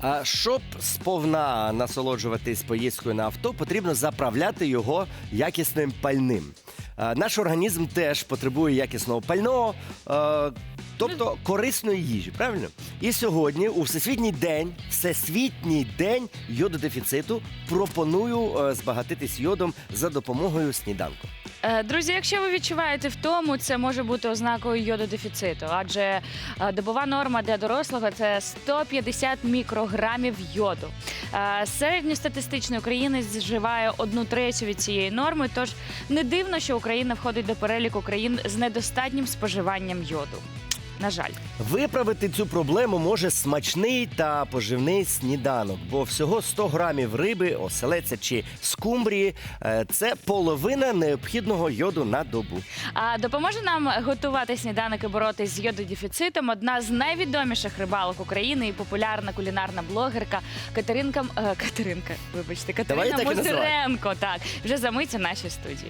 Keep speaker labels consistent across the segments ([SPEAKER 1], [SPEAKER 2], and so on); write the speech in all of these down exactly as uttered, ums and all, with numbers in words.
[SPEAKER 1] А щоб сповна насолоджуватись поїздкою на авто, потрібно заправляти його якісним пальним. А, Наш організм теж потребує якісного пального, а, тобто корисної їжі, правильно? І сьогодні, у Всесвітній день, Всесвітній день йододефіциту, пропоную е, збагатитись йодом за допомогою сніданку.
[SPEAKER 2] Е, Друзі, якщо ви відчуваєте втому, це може бути ознакою йододефіциту, адже е, добова норма для дорослого – це сто п'ятдесят мікрограмів йоду. Е, Середньостатистичний українець вживає одну третю від цієї норми, тож не дивно, що Україна входить до переліку країн з недостатнім споживанням йоду. На жаль.
[SPEAKER 1] Виправити цю проблему може смачний та поживний сніданок, бо всього сто грамів риби, оселедця чи скумбрії – це половина необхідного йоду на добу.
[SPEAKER 2] А допоможе нам готувати сніданок і боротись з йододефіцитом одна з найвідоміших рибалок України і популярна кулінарна блогерка Катеринка, е, Катеринка, вибачте, Катерина Мозиренко. Так, вже за мить у нашій студії.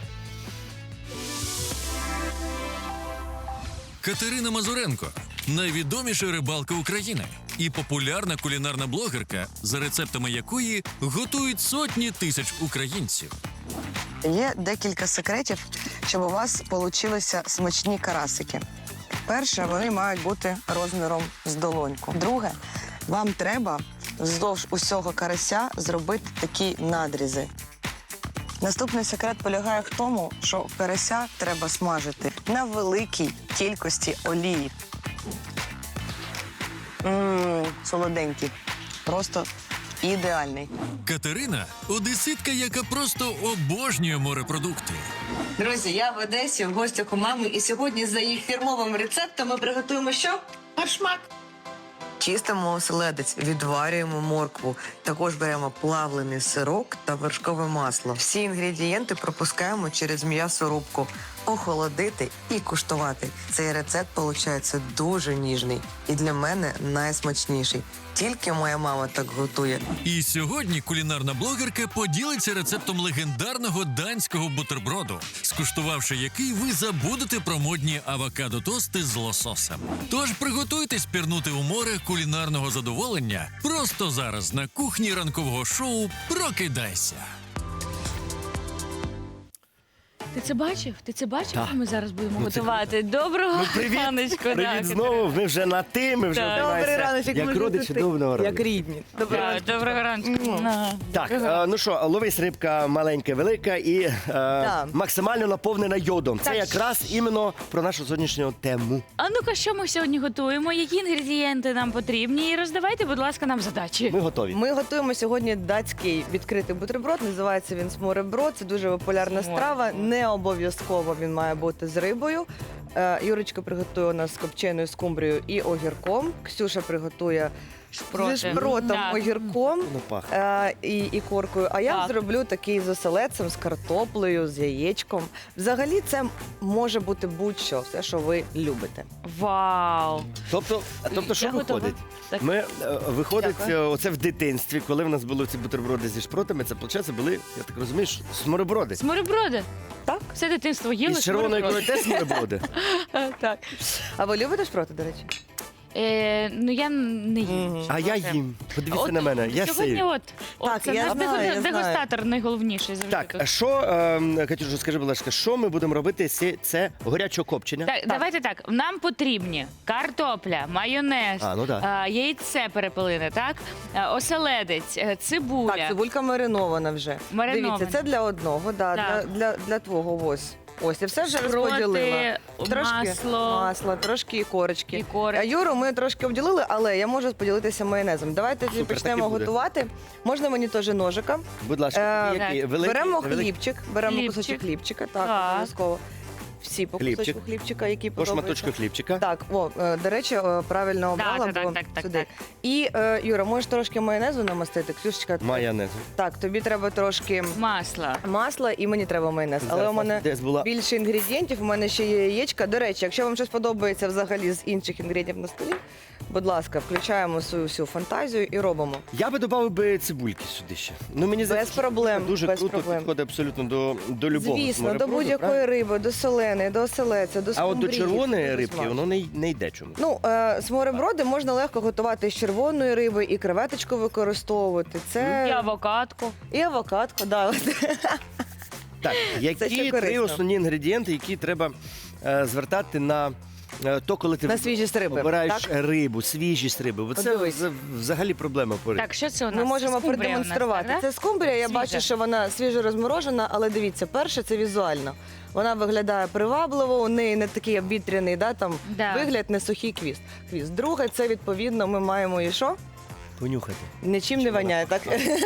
[SPEAKER 3] Катерина Мазуренко – найвідоміша рибалка України і популярна кулінарна блогерка, за рецептами якої готують сотні тисяч українців.
[SPEAKER 4] Є декілька секретів, щоб у вас получилися смачні карасики. Перше, вони мають бути розміром з долоньку. Друге, вам треба вздовж усього карася зробити такі надрізи. Наступний секрет полягає в тому, що карася треба смажити на великій кількості олії. Ммм, солоденький. Просто ідеальний.
[SPEAKER 3] Катерина – одеситка, яка просто обожнює морепродукти.
[SPEAKER 4] Друзі, я в Одесі в гостях у мами, і сьогодні за їх фірмовим рецептом ми приготуємо що? Фаршмак. Чистимо оселедець, відварюємо моркву. Також беремо плавлений сирок та вершкове масло. Всі інгредієнти пропускаємо через м'ясорубку. Охолодити і куштувати. Цей рецепт, виходить, дуже ніжний. І для мене найсмачніший. Тільки моя мама так готує.
[SPEAKER 3] І сьогодні кулінарна блогерка поділиться рецептом легендарного данського бутерброду, скуштувавши який ви забудете про модні авокадо-тости з лососем. Тож приготуйтесь пірнути у море кулінарного задоволення просто зараз на кухні ранкового шоу «Прокидайся».
[SPEAKER 2] Ти це бачив? Ти це бачив,
[SPEAKER 1] Так.
[SPEAKER 2] що ми зараз будемо
[SPEAKER 1] Ну, це-
[SPEAKER 2] готувати? Доброго
[SPEAKER 1] Ну, привіт.
[SPEAKER 2] раночку.
[SPEAKER 1] Привіт знову, ми вже на ти, ми вже
[SPEAKER 2] Так.
[SPEAKER 1] обіймаємося.
[SPEAKER 4] Добрий раночок,
[SPEAKER 1] як
[SPEAKER 4] ми
[SPEAKER 1] родичі,
[SPEAKER 4] вже
[SPEAKER 1] доброго
[SPEAKER 4] Як
[SPEAKER 1] ранку.
[SPEAKER 4] рідні.
[SPEAKER 2] Доброго, доброго раночку. На.
[SPEAKER 1] Так, е, ну що, ловись рибка маленька, велика і е, максимально наповнена йодом. Це
[SPEAKER 2] Так.
[SPEAKER 1] якраз іменно про нашу сьогоднішню тему.
[SPEAKER 2] А ну-ка, що ми сьогодні готуємо? Які інгредієнти нам потрібні? І роздавайте, будь ласка, нам задачі.
[SPEAKER 1] Ми готові.
[SPEAKER 5] Ми готуємо сьогодні датський відкритий бутерброд. Називається він смореброд. Це дуже популярна
[SPEAKER 2] Смореброд.
[SPEAKER 5] страва. Не обов'язково він має бути з рибою. Е, Юрочка приготує у нас з копченою скумбрією і огірком. Ксюша приготує
[SPEAKER 2] Шпроти.
[SPEAKER 5] зі шпротом,
[SPEAKER 2] Так.
[SPEAKER 5] огірком
[SPEAKER 1] Ну, пахне.
[SPEAKER 5] е, і, і коркою. А я
[SPEAKER 2] Так.
[SPEAKER 5] зроблю такий з оселедцем, з картоплею, з яєчком. Взагалі це може бути будь-що, все, що ви любите.
[SPEAKER 2] Вау!
[SPEAKER 1] Тобто, тобто що
[SPEAKER 2] Я готова.
[SPEAKER 1] виходить?
[SPEAKER 2] Так.
[SPEAKER 1] Ми, е, виходить,
[SPEAKER 5] Дякую.
[SPEAKER 1] е, оце в дитинстві, коли в нас були ці бутерброди зі шпротами, це, виходить, були, я так розумію, що смореброди.
[SPEAKER 2] Смореброди.
[SPEAKER 5] Так.
[SPEAKER 2] Все дитинство їли
[SPEAKER 1] І з червоної
[SPEAKER 2] смореброди.
[SPEAKER 1] ікрою теж смореброди.
[SPEAKER 2] Так.
[SPEAKER 5] А ви любите шпроти, до речі?
[SPEAKER 2] Е, ну я не їм.
[SPEAKER 5] Мгм.
[SPEAKER 1] А я їм. Подивіться
[SPEAKER 2] От
[SPEAKER 1] на мене. Я
[SPEAKER 2] сьогодні
[SPEAKER 1] сію.
[SPEAKER 2] от, от
[SPEAKER 5] Так,
[SPEAKER 2] це
[SPEAKER 5] я
[SPEAKER 2] наш
[SPEAKER 5] знаю,
[SPEAKER 2] дег-
[SPEAKER 5] я
[SPEAKER 2] дегустатор найголовніший завжди
[SPEAKER 1] Так,
[SPEAKER 2] тут.
[SPEAKER 1] що, е, Катюша, скажи, будь ласка, що ми будемо робити з це горячого копчення?
[SPEAKER 2] Так, давайте так. Нам потрібні картопля, майонез,
[SPEAKER 1] А, ну да.
[SPEAKER 2] а, яйце перепелине, так? А, оселедець, е, цибуля.
[SPEAKER 5] Так, цибулька маринована вже.
[SPEAKER 2] Маринована.
[SPEAKER 5] Дивіться, це для одного, да, для,
[SPEAKER 2] Так.
[SPEAKER 5] для, для твого ось. Ось, я все вже
[SPEAKER 2] Шпроти,
[SPEAKER 5] розподілила.
[SPEAKER 2] масло.
[SPEAKER 5] масло, трошки і корочки.
[SPEAKER 2] І корочки.
[SPEAKER 5] А Юру ми трошки обділили, але я можу поділитися майонезом. Давайте тоді
[SPEAKER 1] Супер,
[SPEAKER 5] почнемо
[SPEAKER 1] так і буде.
[SPEAKER 5] готувати. Можна мені теж ножика.
[SPEAKER 1] Будь ласка,
[SPEAKER 5] Е,
[SPEAKER 1] який?
[SPEAKER 2] так.
[SPEAKER 1] Великий?
[SPEAKER 5] беремо
[SPEAKER 1] Невеликий?
[SPEAKER 5] хлібчик, беремо
[SPEAKER 2] Хлібчик.
[SPEAKER 5] кусочок хлібчика, так,
[SPEAKER 2] Так.
[SPEAKER 5] обов'язково. Всі по
[SPEAKER 1] Хлібчик.
[SPEAKER 5] кусочку хлібчика, які
[SPEAKER 1] По
[SPEAKER 5] подобаються.
[SPEAKER 1] шматочку хлібчика.
[SPEAKER 5] Так, о, е, до речі, е, правильно обрала,
[SPEAKER 2] так,
[SPEAKER 5] бо
[SPEAKER 2] так, так,
[SPEAKER 5] сюди.
[SPEAKER 2] так.
[SPEAKER 5] І, е, Юра, можеш трошки майонезу намастити? Ксюшечка,
[SPEAKER 1] Майонез.
[SPEAKER 5] так, тобі треба трошки
[SPEAKER 2] Масло.
[SPEAKER 5] масла і мені треба майонез. Але
[SPEAKER 1] Зараз
[SPEAKER 5] у мене
[SPEAKER 1] десь була-
[SPEAKER 5] більше інгредієнтів, у мене ще є яєчка. До речі, якщо вам щось подобається взагалі з інших інгредієнтів на столі, будь ласка, включаємо свою всю фантазію і робимо.
[SPEAKER 1] Я би додав би цибульки сюди ще. Ну, мені
[SPEAKER 5] Без
[SPEAKER 1] здається,
[SPEAKER 5] проблем,
[SPEAKER 1] дуже
[SPEAKER 5] без
[SPEAKER 1] круто
[SPEAKER 5] проблем.
[SPEAKER 1] підходить абсолютно до, до любого
[SPEAKER 5] Звісно, до
[SPEAKER 1] смореброду,
[SPEAKER 5] будь-якої
[SPEAKER 1] правильно?
[SPEAKER 5] риби, до сирени, до оселеця, до
[SPEAKER 1] А от до
[SPEAKER 5] скумбрії.
[SPEAKER 1] червоної
[SPEAKER 5] Дуже
[SPEAKER 1] рибки
[SPEAKER 5] смачно.
[SPEAKER 1] воно не, не йде чомусь.
[SPEAKER 5] Ну, е, смореброди можна легко готувати з червоної риби, і креветочку використовувати. Це
[SPEAKER 2] І авокадку.
[SPEAKER 5] і авокадко, да.
[SPEAKER 1] Так, які
[SPEAKER 5] ще
[SPEAKER 1] три
[SPEAKER 5] корисно.
[SPEAKER 1] основні інгредієнти, які треба е, звертати на е, то, коли ти
[SPEAKER 5] На свіжість риби,
[SPEAKER 1] обираєш
[SPEAKER 5] так?
[SPEAKER 1] рибу, свіжість риби. Бо це
[SPEAKER 5] Подивись.
[SPEAKER 1] вз- взагалі проблема по рибі.
[SPEAKER 2] Так, що це у нас?
[SPEAKER 5] Ми можемо
[SPEAKER 2] Скумбрія у нас,
[SPEAKER 5] продемонструвати.
[SPEAKER 2] так, да?
[SPEAKER 5] Це скумбрія, я
[SPEAKER 2] Свіжа.
[SPEAKER 5] бачу, що вона свіжо розморожена, але дивіться, перше це візуально. Вона виглядає привабливо, у неї не такий обвітряний да, там,
[SPEAKER 2] Да.
[SPEAKER 5] вигляд, не сухий хвіст. хвіст. Друге, це відповідно ми маємо і що?
[SPEAKER 1] Понюхати.
[SPEAKER 5] Нічим не
[SPEAKER 1] Чим вона
[SPEAKER 5] воняє, так?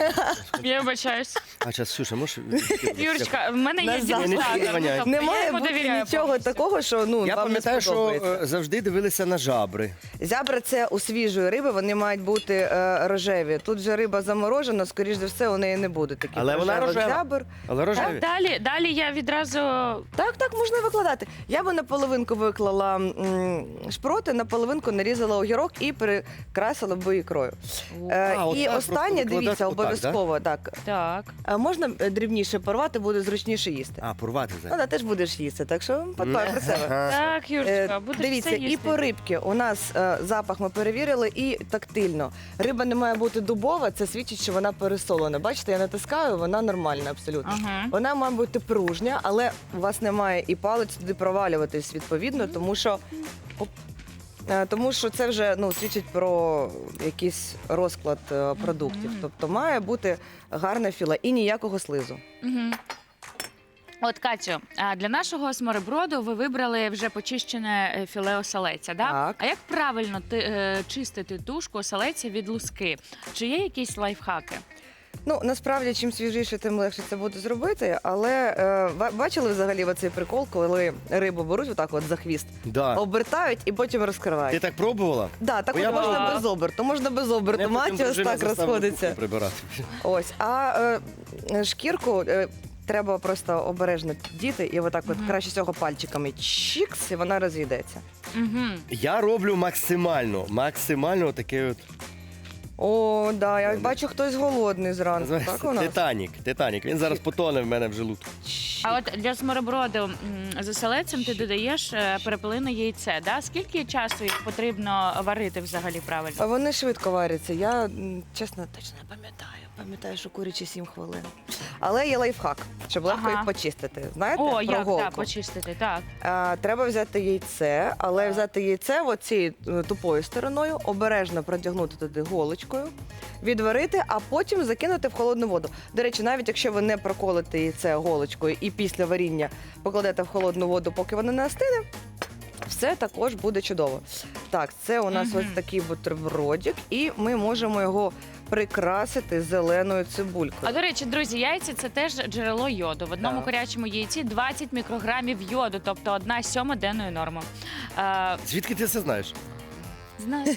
[SPEAKER 2] Я вибачаюсь.
[SPEAKER 1] А зараз, Сюша, можеш?
[SPEAKER 2] Юрочка, в мене є
[SPEAKER 5] Назад.
[SPEAKER 2] дегустатор.
[SPEAKER 1] Не воняє.
[SPEAKER 2] Тобто
[SPEAKER 5] Не
[SPEAKER 2] я
[SPEAKER 5] має
[SPEAKER 2] йому
[SPEAKER 5] бути
[SPEAKER 2] довіряю
[SPEAKER 5] нічого
[SPEAKER 2] повністю.
[SPEAKER 5] такого, що ну,
[SPEAKER 1] Я
[SPEAKER 5] вам не
[SPEAKER 1] пам'ятаю, що
[SPEAKER 5] сподобається.
[SPEAKER 1] е, завжди дивилися на жабри.
[SPEAKER 5] Зябра це у свіжої риби, вони мають бути е, рожеві. Тут же риба заморожена, скоріш за все, у неї не буде таких
[SPEAKER 1] Але вона
[SPEAKER 5] рожевих
[SPEAKER 1] рожева.
[SPEAKER 5] зябр.
[SPEAKER 1] Але рожеві.
[SPEAKER 2] Так, далі, далі я відразу
[SPEAKER 5] Так, так, можна викладати. Я би на половинку виклала м, шпроти, на половинку нарізала огірок і перекрасила би ікрою. Е,
[SPEAKER 1] А, от
[SPEAKER 5] і
[SPEAKER 1] так,
[SPEAKER 5] останнє,
[SPEAKER 1] просто
[SPEAKER 5] дивіться,
[SPEAKER 1] викладати отак,
[SPEAKER 5] обов'язково, так.
[SPEAKER 2] так.
[SPEAKER 5] А можна е, дрібніше порвати, буде зручніше їсти.
[SPEAKER 1] А, порвати
[SPEAKER 5] Ну,
[SPEAKER 1] зараз.
[SPEAKER 5] да, теж будеш їсти, так що подбай про себе.
[SPEAKER 1] Ага.
[SPEAKER 2] Так,
[SPEAKER 5] Е,
[SPEAKER 2] Юрочка, будеш
[SPEAKER 5] Дивіться,
[SPEAKER 2] все
[SPEAKER 5] і
[SPEAKER 2] їсти.
[SPEAKER 5] по рибки у нас е, запах ми перевірили, і тактильно. Риба не має бути дубова, це свідчить, що вона пересолена. Бачите, я натискаю, вона нормальна абсолютно.
[SPEAKER 2] Ага.
[SPEAKER 5] Вона має бути пружня, але у вас немає і палець туди провалюватись відповідно, тому що. Оп. Е, Тому що це вже ну, свідчить про якийсь розклад е, продуктів.
[SPEAKER 2] Мгм.
[SPEAKER 5] Тобто має бути гарне філе і ніякого слизу.
[SPEAKER 2] Мгм. От, Катю, а для нашого смореброду ви вибрали вже почищене е, філе оселеця, да?
[SPEAKER 5] Так.
[SPEAKER 2] А як правильно ти, е, чистити тушку оселеця від луски? Чи є якісь лайфхаки?
[SPEAKER 5] Ну насправді, чим свіжіше, тим легше це буде зробити. Але е, ба- бачили взагалі оцей прикол, коли рибу беруть отак от за хвіст,
[SPEAKER 1] Да.
[SPEAKER 5] обертають і потім
[SPEAKER 1] Ти
[SPEAKER 5] розкривають.
[SPEAKER 1] так пробувала?
[SPEAKER 5] Да, так
[SPEAKER 1] Бо
[SPEAKER 5] от
[SPEAKER 1] я
[SPEAKER 5] можна
[SPEAKER 2] пробувала.
[SPEAKER 5] без оберту, можна без оберту.
[SPEAKER 1] Мене потім
[SPEAKER 5] Маті ось
[SPEAKER 1] дружина
[SPEAKER 5] так
[SPEAKER 1] заставила
[SPEAKER 5] розходиться.
[SPEAKER 1] кухню прибирати.
[SPEAKER 5] Ось, а е, шкірку е, треба просто обережно діти, і отак от
[SPEAKER 2] Мгм.
[SPEAKER 5] краще всього пальчиками чікс, і вона розійдеться.
[SPEAKER 2] Угу.
[SPEAKER 1] Я роблю максимально, максимально таке от.
[SPEAKER 5] О, да, я бачу, хтось голодний зранку.
[SPEAKER 1] Називається
[SPEAKER 5] Так у нас?
[SPEAKER 1] Титанік. Титанік. Він зараз потоне в мене в желудку.
[SPEAKER 2] А от для смореброду м, з оселедцем ти додаєш е, перепелине яйце, да? Скільки часу їх потрібно варити взагалі правильно?
[SPEAKER 5] А вони швидко варяться. Я м, чесно точно не пам'ятаю. Пам'ятаю, що курячі сім хвилин. Але є лайфхак, щоб легко
[SPEAKER 2] Ага.
[SPEAKER 5] їх почистити. Знаєте,
[SPEAKER 2] О,
[SPEAKER 5] про
[SPEAKER 2] як
[SPEAKER 5] голку?
[SPEAKER 2] так, почистити, так.
[SPEAKER 5] А, треба взяти яйце, але взяти яйце оцією е, тупою стороною, обережно продягнути туди голочкою, відварити, а потім закинути в холодну воду. До речі, навіть якщо ви не проколите яйце голочкою і після варіння покладете в холодну воду, поки воно не остине, все також буде чудово. Так, це у нас
[SPEAKER 2] Мгм.
[SPEAKER 5] ось такий бутербродик, і ми можемо його прикрасити зеленою цибулькою.
[SPEAKER 2] А до речі, друзі, яйця це теж джерело йоду. В одному
[SPEAKER 5] Так.
[SPEAKER 2] курячому яйці двадцять мікрограмів йоду, тобто одна сьома денної норми. Е,
[SPEAKER 1] Звідки ти це знаєш?
[SPEAKER 2] знаю.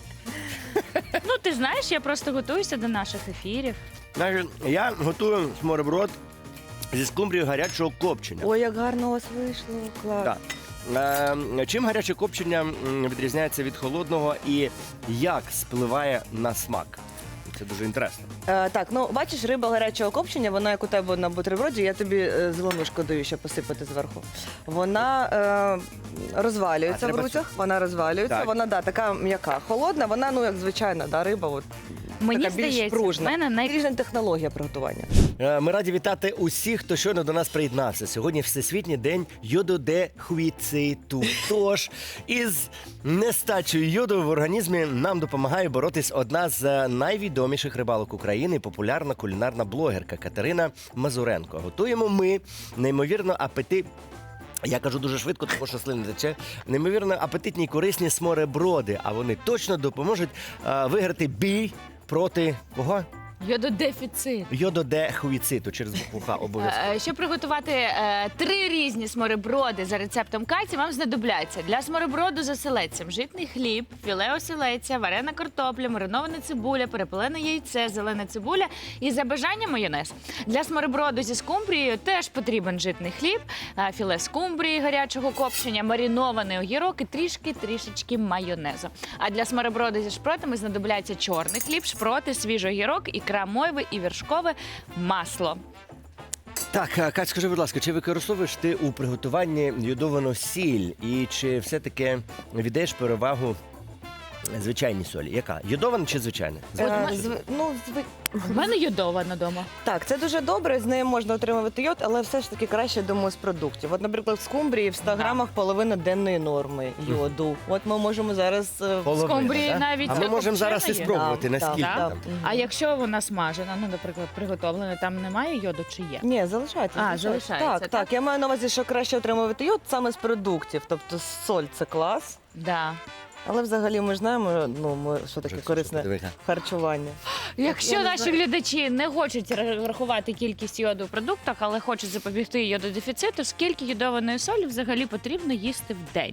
[SPEAKER 2] Ну, ти знаєш, я просто готуюся до наших ефірів.
[SPEAKER 1] Значить, я готую смореброд зі скумбрією гарячого копчення.
[SPEAKER 5] Ой, як гарно у вас вийшло, клас.
[SPEAKER 1] Так. Е, чим гаряче копчення м, відрізняється від холодного і як спливає на смак? Це дуже інтересно.
[SPEAKER 5] Е, так, ну бачиш, риба гарячого копчення, вона як у тебе на бутерброді, я тобі е, зеленушку даю ще посипати зверху. Вона е, розвалюється
[SPEAKER 1] А,
[SPEAKER 5] в
[SPEAKER 1] треба
[SPEAKER 5] руцях, вона розвалюється,
[SPEAKER 1] Так.
[SPEAKER 5] вона да, така м'яка. Холодна, вона, ну як звичайна, да, риба, от,
[SPEAKER 2] Мені
[SPEAKER 5] така більш
[SPEAKER 2] здається, в
[SPEAKER 5] пружна.
[SPEAKER 2] мене най...
[SPEAKER 5] Різна технологія приготування.
[SPEAKER 1] Е, Ми раді вітати усіх, хто щойно до нас приєднався. Сьогодні Всесвітній день йододехвіциту. Тож із нестачею йоду в організмі нам допомагає боротись одна з е, найвідоміших рибалок України, популярна кулінарна блогерка Катерина Мазуренко. Готуємо ми неймовірно апетит. Я кажу дуже швидко, тому що слина тече. Неймовірно апетитні й корисні смореброди, а вони точно допоможуть е, виграти бій проти кого?
[SPEAKER 2] Йододефіцит.
[SPEAKER 1] Йододехвіциту через букву Х обов'язково.
[SPEAKER 2] Е, Щоб приготувати е, три різні смореброди за рецептом Каті, вам знадобляться для смореброду з оселедцем житний хліб, філе оселедця, варена картопля, маринована цибуля, перепелене яйце, зелена цибуля і за бажанням майонез. Для смореброду зі скумбрією теж потрібен житний хліб, е, філе скумбрії гарячого копчення, маринований огірок і трішки-трішечки майонезу. А для смореброду зі шпротами знадобляться чорний хліб, шпроти, свіжий огірок, ікра мойви і вершкове масло.
[SPEAKER 1] Так, а, Кать, скажи, будь ласка, чи використовуєш ти у приготуванні йодовану сіль? І чи все-таки віддаєш перевагу звичайній солі? Яка? Йодована чи звичайна?
[SPEAKER 5] Е,
[SPEAKER 1] Звичайна.
[SPEAKER 5] зв- ну, зв-
[SPEAKER 2] У мене йодована вдома.
[SPEAKER 5] Так, це дуже добре, з нею можна отримувати йод, але все ж таки краще, думаю, з продуктів. От, наприклад, в скумбрії в ста грамах половина денної норми йоду. От ми можемо зараз... е,
[SPEAKER 1] Половина,
[SPEAKER 2] скумбрії
[SPEAKER 1] да?
[SPEAKER 2] навіть
[SPEAKER 1] А ми можемо
[SPEAKER 2] копчена
[SPEAKER 1] зараз і
[SPEAKER 2] є?
[SPEAKER 1] спробувати,
[SPEAKER 5] Да,
[SPEAKER 1] наскільки
[SPEAKER 5] да,
[SPEAKER 1] там.
[SPEAKER 5] да.
[SPEAKER 2] А якщо вона смажена, ну, наприклад, приготовлена, там немає йоду чи є?
[SPEAKER 5] Ні, залишається.
[SPEAKER 2] А, залишається,
[SPEAKER 5] Так,
[SPEAKER 2] так?
[SPEAKER 5] так. Я маю на увазі, що краще отримувати йод саме з продуктів. Тобто соль – це клас.
[SPEAKER 2] Да.
[SPEAKER 5] Але взагалі ми ж знаємо, ну, ми, що таке корисне
[SPEAKER 1] Диви-ка.
[SPEAKER 5] харчування.
[SPEAKER 2] Якщо
[SPEAKER 5] Я не
[SPEAKER 2] наші
[SPEAKER 5] знаю.
[SPEAKER 2] глядачі не хочуть ра- рахувати кількість йоду в продуктах, але хочуть запобігти йододефіциту, скільки йодованої солі взагалі потрібно їсти в день?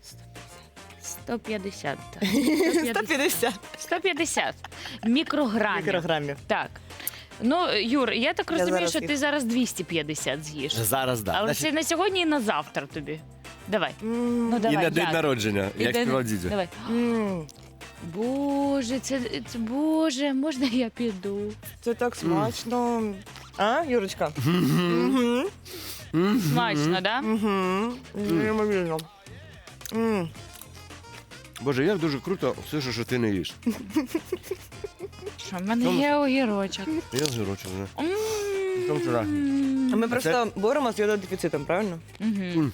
[SPEAKER 2] сто п'ятдесят. так.
[SPEAKER 5] сто п'ятдесят
[SPEAKER 2] сто п'ятдесят мікрограмів.
[SPEAKER 5] мікрограмів.
[SPEAKER 2] Так. Ну, Юр, я так
[SPEAKER 5] Я
[SPEAKER 2] розумію,
[SPEAKER 5] зараз
[SPEAKER 2] що
[SPEAKER 5] їх-
[SPEAKER 2] ти зараз двісті п'ятдесят з'їш.
[SPEAKER 1] Зараз, так.
[SPEAKER 2] Але це на сьогодні і на завтра тобі. Давай. Ну,
[SPEAKER 1] І
[SPEAKER 2] давай,
[SPEAKER 1] на день
[SPEAKER 2] як?
[SPEAKER 1] народження,
[SPEAKER 2] І
[SPEAKER 1] як
[SPEAKER 2] день-
[SPEAKER 1] співав дідю.
[SPEAKER 2] Давай.
[SPEAKER 5] М,
[SPEAKER 2] Боже, це, це Боже, можна я піду?
[SPEAKER 5] Це так смачно. А, Юрочка? Мгм.
[SPEAKER 2] Смачно, да?
[SPEAKER 5] Мгм. Неймовірно. М.
[SPEAKER 1] Боже, як дуже круто, все, що ти не їш.
[SPEAKER 2] Що, в мене
[SPEAKER 1] Тому-
[SPEAKER 2] є огірочок.
[SPEAKER 1] Я згорочу вже.
[SPEAKER 2] М.
[SPEAKER 1] Там вчора.
[SPEAKER 5] А ми
[SPEAKER 1] А
[SPEAKER 5] просто боремося з йододефіцитом, правильно?
[SPEAKER 2] Мгм.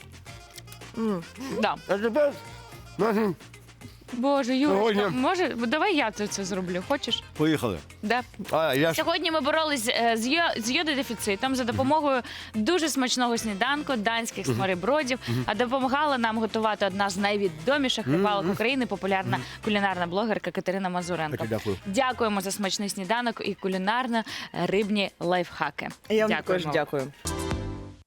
[SPEAKER 5] М.
[SPEAKER 2] Да.
[SPEAKER 1] А тепер нашим
[SPEAKER 2] Боже, Юрочка,
[SPEAKER 1] Сьогодні-
[SPEAKER 2] може, давай я це, це зроблю, хочеш?
[SPEAKER 1] поїхали.
[SPEAKER 2] Да.
[SPEAKER 1] А, я ж
[SPEAKER 2] Сьогодні ми боролись е, з, йо- з йододефіцитом за допомогою дуже смачного сніданку данських сморебродів, а допомагала нам готувати одна з найвідоміших рибалок України, популярна кулінарна блогерка Катерина Мазуренко.
[SPEAKER 1] Таки дякую.
[SPEAKER 2] Дякуємо за смачний сніданок і кулінарно-рибні лайфхаки.
[SPEAKER 5] Я вам
[SPEAKER 2] Дякуємо.
[SPEAKER 5] також дякую.